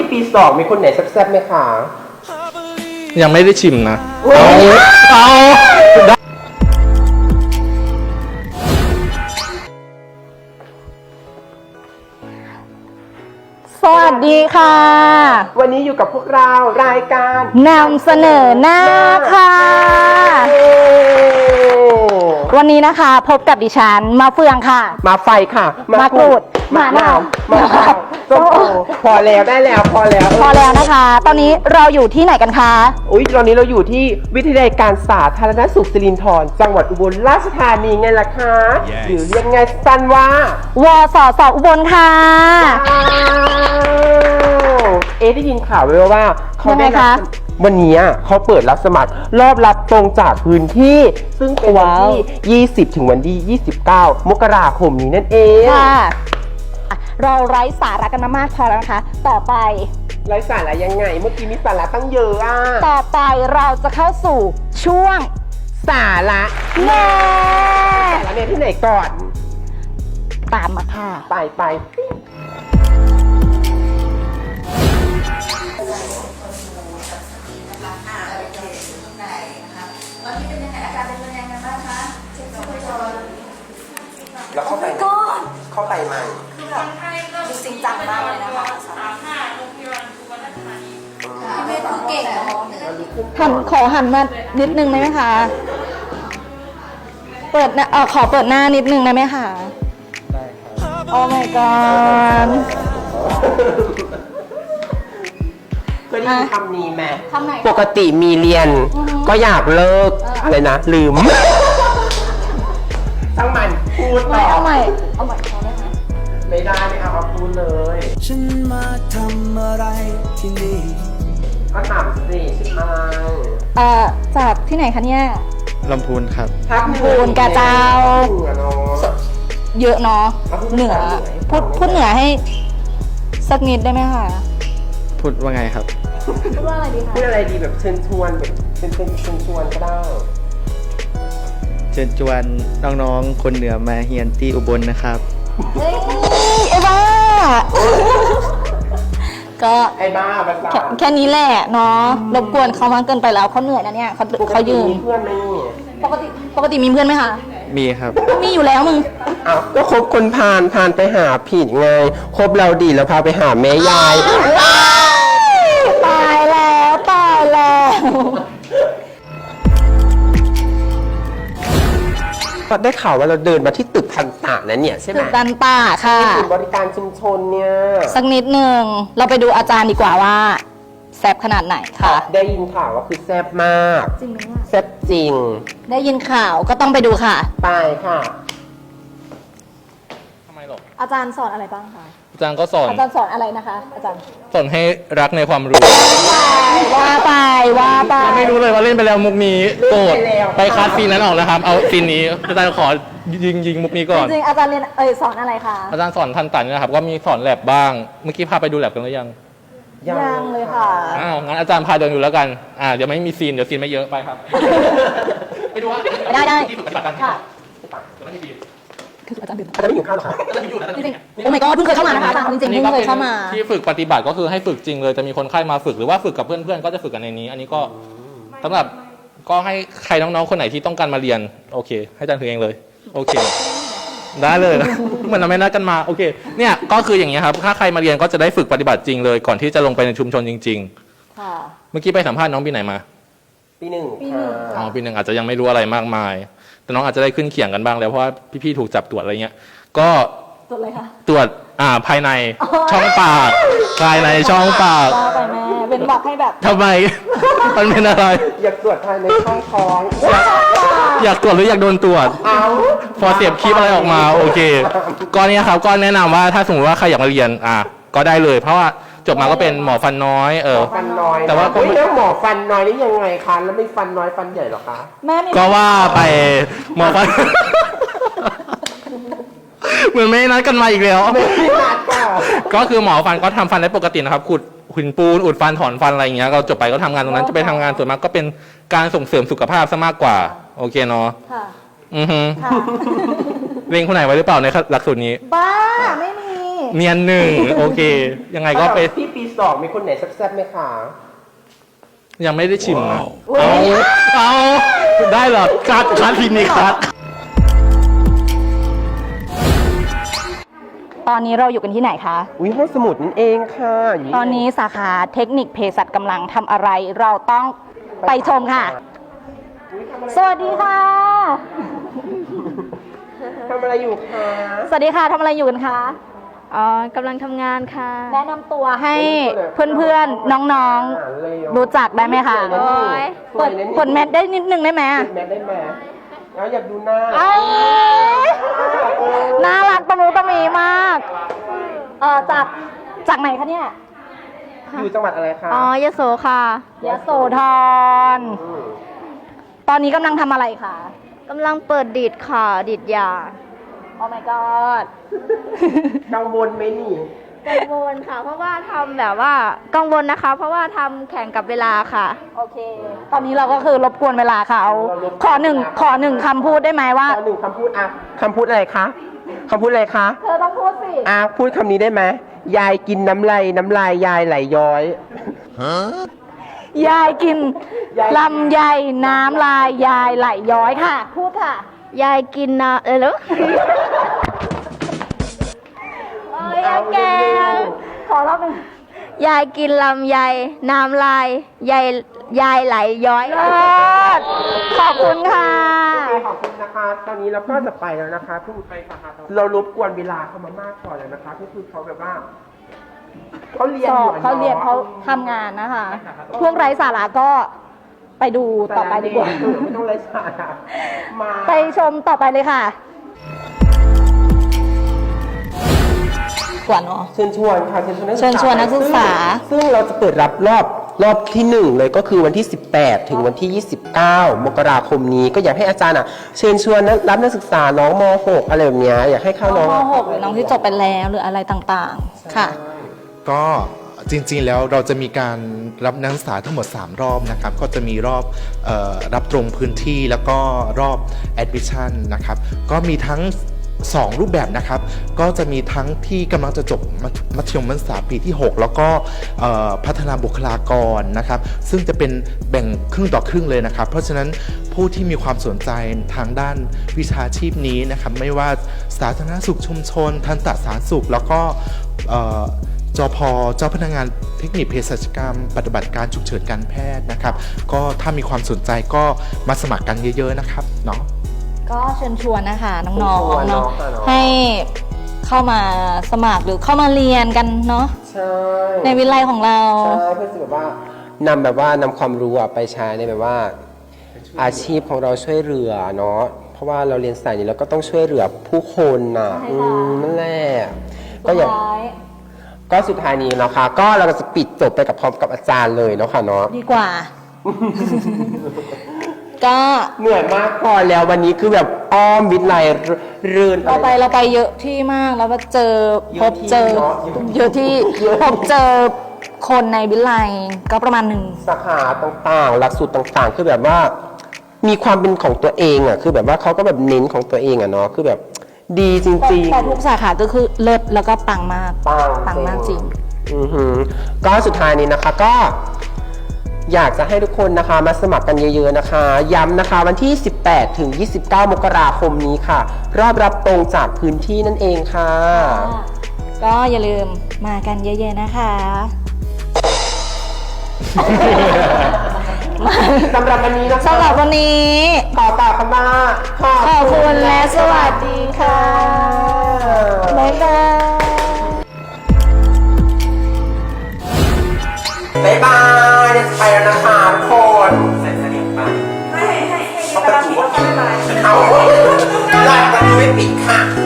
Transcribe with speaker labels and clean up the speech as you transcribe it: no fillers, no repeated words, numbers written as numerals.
Speaker 1: ปี2มีคนไหนแซ่บๆไหมคะ
Speaker 2: ยังไม่ได้ชิมนะเอา
Speaker 3: สวัสดีค่ะ
Speaker 1: วันนี้อยู่กับพวกเรารายการ
Speaker 3: นำเสนอหน้าค่ะ วันนี้นะคะพบกับดิฉันมาเฟืองค่ะ
Speaker 1: มาไฟค่ะ
Speaker 3: มากรูด
Speaker 1: มะนาวมะพร้าวส้มโอพอแล้วได้แล้วพอแล้ว
Speaker 3: พอแล้วนะคะ ตอนนี้เราอยู่ที่ไหนกันคะ
Speaker 1: อุ๊ยตอนนี้เราอยู่ที่วิทยาลัยการสาธารณสุขสิรินธรจังหวัดอุบลราชธานีไงล่ะคะ
Speaker 2: Yes.
Speaker 1: หรือเรียกไงสั้นว่าว
Speaker 3: สสอุบลค่ะ
Speaker 1: ได้ยินข่าวไว้ว่าเขาได้
Speaker 3: ยังไงคะ
Speaker 1: วันนี้เขาเปิดรับสมัครรอบรับตรงจากพื้นที่ ซึ่งเป็นวันที่ 20 ถึงวันที่ 29 มกราคมนี้นั่นเอง
Speaker 3: ค่ะ เราไร้สาระกันมามากพอแล้วนะคะ ต่อไป
Speaker 1: ไร้สาระยังไง เมื่อกี้มีสาระตั้งเยอะอ่ะ
Speaker 3: ต่อไปเราจะเข้าสู่ช่วง
Speaker 1: สาระ
Speaker 3: แน่
Speaker 1: สาระเนี่ยที่ไหนก่อน
Speaker 3: ตามมาค่ะ
Speaker 1: ไปแล้วเข้าไปไหม
Speaker 3: ดูจริงจังมากเลยนะคะขอหันมานิดนึงได้ไหมคะ เปิดหน้าขอเปิดหน้านิดนึงได้ไหมคะ
Speaker 2: ได้ครับ
Speaker 3: โอ้ my god
Speaker 1: เคยได้ยินคำนี้ไหม
Speaker 3: คำไหน
Speaker 1: ปกติมีเรียน ก็อยากเลิก อะไรนะ ลืมช่างมันพูดต่อ
Speaker 3: เอาใหม่เอาใหม่พอได้ไหม
Speaker 1: ไม่ได้ไม่เอาพูดเลย
Speaker 4: ฉันมาทำอะไรที่นี่
Speaker 1: ก็ถามสิใช่ไหม
Speaker 3: จากที่ไหนคะเนี่ย
Speaker 2: ลำพูนครับ
Speaker 1: ภาค
Speaker 3: ลำพูนกะเจ้า
Speaker 1: เหนือเนาะ
Speaker 3: เยอะเนาะ
Speaker 1: เอาพูด
Speaker 3: เหนือ
Speaker 1: ภาษาเหนือ
Speaker 3: พูดเหนือให้สักนิดได้ไหมคะ
Speaker 2: พูดว่าไงครับ
Speaker 3: พูดว่าอะไรดีคะ
Speaker 1: พูดอะไรดีแบบเชิญชวนแบบเชิญชวนก็ได้
Speaker 2: เชิญชวนน้องๆ คนเหนือมาเฮียนที่อุบลนะครับ
Speaker 3: เฮ้ยไอ้บ้า ก็
Speaker 1: ไอ้บ้าภาษา
Speaker 3: แค่นี้แหละเนาะรบกวนเขามากเกินไปแล้วเขาเหนื่อยนะเนี่ยเขายืน
Speaker 1: มีเพื่อนไหมนี่
Speaker 3: ปกติมีเพื่อนไหมคะ
Speaker 2: มีครับ
Speaker 3: มีอยู่แล้วมึง
Speaker 1: อ้าวก็คบคนพาลไปหาผิดไงคบเราดีแล้วพาไปหาแม่ยาย
Speaker 3: ตายแล้วตายแล้ว
Speaker 1: ก็ได้ข่าวว่าเราเดินมาที่ตึกทันตะนะเนี่ยใช่ไหม
Speaker 3: ตึกดันป่าค่ะ
Speaker 1: ศูนย์บริการชุมชนเนี่ย
Speaker 3: สักนิดหนึ่งเราไปดูอาจารย์ดีกว่าว่าแซบขนาดไหนค่ะ
Speaker 1: ได้ยินข่าวว่าคือแซ่บมาก
Speaker 3: จริงไหม
Speaker 1: แซ่บจริง
Speaker 3: ได้ยินข่าวก็ต้องไปดูค่ะ
Speaker 1: ไปค่ะ
Speaker 2: ทำไมหรอ
Speaker 3: อาจารย์สอนอะไรบ้างคะ
Speaker 2: อาจารย์ก็สอน
Speaker 3: อาจารย์สอนอะไรนะคะ อาจารย์
Speaker 2: สอนให้รักในความรู้
Speaker 3: ว่าไปว่าไป
Speaker 2: ไม่รู้เลยว่าเล่นไปแล้วมุกนี้โกรธ
Speaker 1: เล่นไปแล้ว
Speaker 2: ไปคัดซีนนั้นออกนะครับ เอาซีนนี้อาจารย์ขอยิงมุกนี้ก่อน
Speaker 3: จริงๆอาจารย์เรียนสอนอะไรคะ
Speaker 2: อาจารย์สอนทันตันนะครับ ก็มีสอนแลบบ้าง เมื่อกี้พาไปดูแลบกันหรือยัง
Speaker 3: ยังเลยค่ะ
Speaker 2: อ้าวงั้นอาจารย์พาเดินอยู่แล้วกัน เดี๋ยวไม่มีซีน เดี๋ยวซีนไม่เยอะไปครับ ไปดูว่า
Speaker 3: ได้
Speaker 2: ที่ฝึกปฏิบัติการ
Speaker 3: ค่ะ
Speaker 2: เดี๋ยวไม่มีซีน
Speaker 3: คืออาจารย์ดื่ม
Speaker 1: อาจารย์ไม่อยู่ข้าวหรอคะ
Speaker 3: จริงๆโอ้ my god เพิ่งเคยเข้ามานะคะอาจารย์จริงๆเพิ่งเคยเข้ามา
Speaker 2: ที่ฝึกปฏิบัติก็คือให้ฝึกจริงเลย จะมีคนไข้มาฝึกหรือว่าฝึกกับเพื่อนๆ ก็จะฝึกกันในนี้ อันนี้ก็สำหรับก็ให้ใครน้องๆ คนไหนที่ต้องการมาเรียน โอเค ให้อาจารย์ถือเองเลย โอเค ได้เลยนะ เหมือนเราไม่นัดกันมา โอเค เนี่ยก็คืออย่างนี้ยครับ ถ้าใครมาเรียนก็จะได้ฝึกปฏิบัติจริงเลย ก่อนที่จะลงไปในชุมชนจริง
Speaker 3: ค่ะ
Speaker 2: ๆ เมื่อกี้ไปสัมภาษณ์น้องปีไหนมา
Speaker 1: ปีหนึ่ง
Speaker 3: ปีหนึ่
Speaker 1: ค่ะ
Speaker 3: ง
Speaker 2: อ๋อ ปีหนึ่งอาจจะยังไม่รู้อะไรมากมาย แต่น้องอาจจะได้ขึ้นเขียงกันบ้างแล้วเพราะว่าพี่ๆ ถูกจับตรวจอะไรเงี้ย ก็
Speaker 3: จดเลยค่ะ
Speaker 2: ตรวจภายในช่องปากภายในช่องปาก
Speaker 3: ว่าไปแม่เป็นบอกให้แบบ
Speaker 2: ทำไม มันเป็นอะไร
Speaker 1: อยากตรวจภายในช่องท้อง
Speaker 2: อยากตรวจหรืออยากโดนตรวจ
Speaker 1: เอา
Speaker 2: พอเสียบคลิปอะไรออกมาโอเคก็เนี่ยครับก็แนะนำว่าถ้าสมมติว่าใครอยากมาเรียนก็ได้เลย เพราะว่าจบมาก็เป็นหมอฟันน้อย
Speaker 1: ฟันน้อย
Speaker 2: แต่ว่า
Speaker 1: เฮ้ยแล้วหมอฟันน้อยนี่ยังไงคะแล้วไม่ฟันน้อยฟันใหญ่หรอคะ
Speaker 3: แม่มี
Speaker 2: ก็ว่าไปหมอฟัน เหมือนไม่นัดกันมาอีกแล้ว
Speaker 1: ไม่นัดค่ะ
Speaker 2: ก็คือหมอฟันก็ทำฟันได้ปกตินะครับขุดหินปูนอุดฟันถอนฟันอะไรอย่างเงี้ยเราจบไปก็ทำงานตรงนั้นจะไปทำงานส่วนมากก็เป็นการส่งเสริมสุขภาพซะมากกว่าโอเคเนาะ
Speaker 3: ค่ะ
Speaker 2: อือฮึ
Speaker 3: ค่ะ
Speaker 2: เล็งคนไหนไว้หรือเปล่าในหลักสูตรนี้
Speaker 3: บ้าไม่มี
Speaker 2: เนียนหนึ่งโอเค ยังไงก็ไป
Speaker 1: ที่ปี 2 มีคนไหนแซ่บๆไหมคะ
Speaker 2: ยังไม่ได้ชิมนะเอาได้เหรอคัดทีนี้คัด
Speaker 3: ตอนนี้เราอยู่กันที่ไหนคะ
Speaker 1: อุ้ยห้องสมุดนั่นเองค่ะยู่
Speaker 3: ตอนนี้สาขาเทคนิคเภสัชกำลังทำอะไร เราต้องไปชมค่ะ สวัสดีค่ะ
Speaker 1: ทำอะไรอยู่คะ
Speaker 3: สวัสดีค่ะทำอะไรอยู่กันคะ
Speaker 5: อ๋อกำลังทำงานค่ะ
Speaker 3: แนะนำตัวให้เพื่อนๆ น้องๆ รู้จักได้ไหมคะ
Speaker 1: สวยนะนี่
Speaker 3: เปิด
Speaker 1: สวยนะนี่
Speaker 3: เปิดแมทได้นิดนึงได้ไหม
Speaker 1: เปิดแมทได้ไหมแล้วอยากดูหน้า
Speaker 3: เอ้ยน่ารักตะมูตะมีมาก จากไหนคะเนี่ย
Speaker 1: อยู่จังหวัดอะไรคะ
Speaker 5: อ๋อยโสค่ะ
Speaker 3: ยโสธร ตอนนี้กำลังทำอะไรคะ
Speaker 5: กำลังเปิดดีดค่ะ ดีดยา
Speaker 3: โอ้ my god
Speaker 1: กังวลไหมนี่
Speaker 5: กังวลค่ะ เพราะว่าทำแบบว่ากังวลนะคะ เพราะว่าทำแข่งกับเวลาค่ะ
Speaker 3: โอเค ตอนนี้เราก็คือรบกวนเวลาเขาขอหนึ่งคำพูดได้ไหมว่า
Speaker 1: หนึ่งคำพูดอ่ะคำพูดอะไรคะคำพูดอะไรคะ
Speaker 3: เธอต้องพูดสิ
Speaker 1: อ่ะพูดคำนี้ได้ไหมยายกินน้ำลายยายไหลย้อย
Speaker 3: ยายกินลำไยน้ำลายยายไหลย้อยค่ะ พูดค่ะ
Speaker 5: ยายกินนะเหรอ
Speaker 3: เอ้ยแกขอรอบหนึ่ง
Speaker 5: ยายกินลำไยน้ำลายยายไหลย้อย
Speaker 3: เลิศขอบคุณค่ะ
Speaker 1: ขอบคุณนะคะ ตอนนี้เราก็จะไปแล้วนะคะเพิ่งไปสาขาต่อเรารบกวนเวลาเขามามากพอแล้วนะคะก็คือเขาแบบว่าเขาเรียน
Speaker 3: ส
Speaker 1: อ
Speaker 3: อยู่ บ
Speaker 1: อะ
Speaker 3: เขาเรียนเขาทำงานนะคะ พวกไร้สาระก็ไปดูต่อไปดีกว่า
Speaker 1: ไม่ต้องไร้สาระมา
Speaker 3: ไปชมต่อไปเลยค่ะ กว่าเนาะ
Speaker 1: เชิญชวนค่ะ
Speaker 3: เชิญชวนนักศึกษา
Speaker 1: ซึ่งเราจะเปิดรับรอบที่ 1 เลยก็คือวันที่ 18 ถึงวันที่ 29 มกราคมนี้ก็อยากให้อาจารย์เชิญชวนรับนักศึกษาน้องม .6 อะไรแบบเนี้ยอยากให้เข้าน้อง
Speaker 3: ม .6 หรือน้องที่จบไปแล้วหรืออะไรต่างๆ ค่ะ
Speaker 6: ก็จริงๆ แล้วเราจะมีการรับนักศึกษาทั้งหมด 3 รอบนะครับ ก็จะมีรอบรับตรงพื้นที่แล้วก็รอบ admission นะครับ ก็มีทั้ง 2 รูปแบบนะครับ ก็จะมีทั้งที่กำลังจะจบมัธยมศึกษาปีที่ 6 แล้วก็พัฒนาบุคลากรนะครับ ซึ่งจะเป็นแบ่งครึ่งต่อครึ่งเลยนะครับ เพราะฉะนั้นผู้ที่มีความสนใจทางด้านวิชาชีพนี้นะครับ ไม่ว่าสาธารณสุขชุมชน ทันตสาธารณสุข แล้วก็จพเจ้าพนักงานเทคนิคเภสัชกรรมปฏิบัติการฉุกเฉินการแพทย์นะครับ ก็ถ้ามีความสนใจก็มาสมัครกันเยอะๆนะครับเนาะ
Speaker 3: ก็เชิญชวนนะคะน้องๆเนาะให้เข้ามาสมัครหรือเข้ามาเรียนกันเนาะ
Speaker 1: ใช่
Speaker 3: ในวิทยาลัยของเรา
Speaker 1: ใช่เพื่อจะแบบว่านำความรู้ไปใช้ในแบบว่า อาชีพของเราช่วยเหลือเนาะเพราะว่าเราเรียนสายนี้เราก็ต้องช่วยเหลือผู้คนน่ะ
Speaker 3: ใช่ค่ะ
Speaker 1: นั่นแหละก็อย่างก็สุดท้ายนี้นะคะ ก็เราจะปิดจบไปกับพร้อมกับอาจารย์เลยเนาะค่ะเนาะ
Speaker 3: ดีกว่า ก็
Speaker 1: เหนื่อยมากพอแล้ววันนี้คือแบบอ้อมวิทย์ไลเรื่น
Speaker 3: เราไปเยอะที่มากแล้วก็เจอพบเจอ
Speaker 1: เยอะที่
Speaker 3: เยอะที่พบเจอคนในวิทยาลัยก็ประมาณหนึ่ง
Speaker 1: สาขาต่างๆหลักสูตรต่างๆ คือแบบว่ามีความเป็นของตัวเองอ่ะคือแบบว่าเขาก็แบบเน้นของตัวเองอ่ะเนาะคือแบบดีจริงๆ
Speaker 3: แต่ทุกสาขาก็คือเลิศแล้วก็ปังมาก ปังมากจริง
Speaker 1: อือหือก็สุดท้ายนี้นะคะก็อยากจะให้ทุกคนนะคะมาสมัครกันเยอะๆนะคะ ย้ำนะคะวันที่ 18 ถึง 29 มกราคมนี้ค่ะ รอบรับตรงจากพื้นที่นั่นเองค่ะ
Speaker 3: ก็อย่าลืมมากันเยอะๆนะคะ
Speaker 1: สำหรับวันนี้นะคะ
Speaker 3: สำหรับวันนี้
Speaker 1: ขอกล่าวคำว่า
Speaker 3: ขอบคุณและสวัสดีค่ะบ๊ายบาย
Speaker 1: บ๊ายบายเดี๋ยวจะไปแล้วนะคะทุกคนใส่เสนียงไปให้กระดาษปิดแล้วก็บ๊ายบายเอาหลักมันไม่ปิดค่ะ